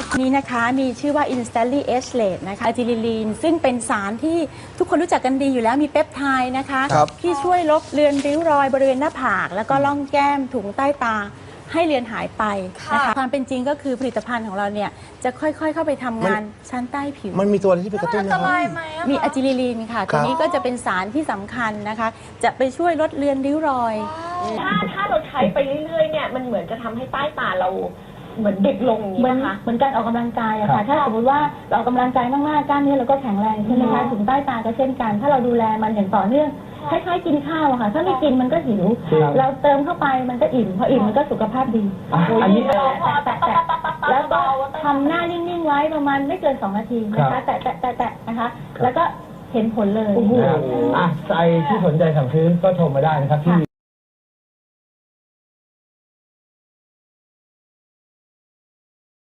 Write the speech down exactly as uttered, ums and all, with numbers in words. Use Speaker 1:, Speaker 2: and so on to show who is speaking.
Speaker 1: นี้นะคะมีชื่อว่า Instantly Ageless นะคะอะจิลิลีนซึ่งเป็นสารที่ทุกคนรู้จักกันดีอยู่แล้วมีเปปไทด์นะคะที่ช่วยลบเลือนริ้วรอยบริเวณหน้าผากแล้วก็ร่องแก้มถุงใต้ตาให้เลือนหายไปนะคะความเป็นจริงก็คือผลิตภัณฑ์ของเราเนี่ยจะค่อยๆเข้าไปทำงานชั้นใต้ผิว
Speaker 2: มันมีตัวอะไรที่ไปกระตุ้นนะครับ
Speaker 1: มีอะจิลิลีนค่ะตัวนี้ก็จะเป็นสารที่สำคัญนะคะจะไปช่วยลดเลือนริ้วรอย
Speaker 3: ถ้าถ้าเราใช้ไปเรื่อยๆเนี่ยมันเหมือนจะทำให้ใต้ตาเราเหมือนเด็กลงอย่างนี้นะคะ
Speaker 4: เหมือนการออกกำลังกายอะค่ะถ้าสมมติว่าเราออกกำลังกายมากๆกล้ามเนื้อเราก็แข็งแรงใช่ไหมคะถุงใต้ตาก็เช่นกันถ้าเราดูแลมันอย่างต่อเนื่องคล้ายๆกินข้าวอะค่ะถ้าไม่กินมันก็หิวเราเติมเข้าไปมันก็อิ่มพออิ่มมันก็สุขภาพดีอันนี้แตะแตะแตะแล้วก็ทำหน้านิ่งๆไว้ประมาณไม่เกินสองนาทีนะคะแตะแตะแตะแตะนะคะแล้วก็เห็นผลเลย
Speaker 5: อ่ะใครที่สนใจสั่งซื้อก็โทรมาได้นะครับที่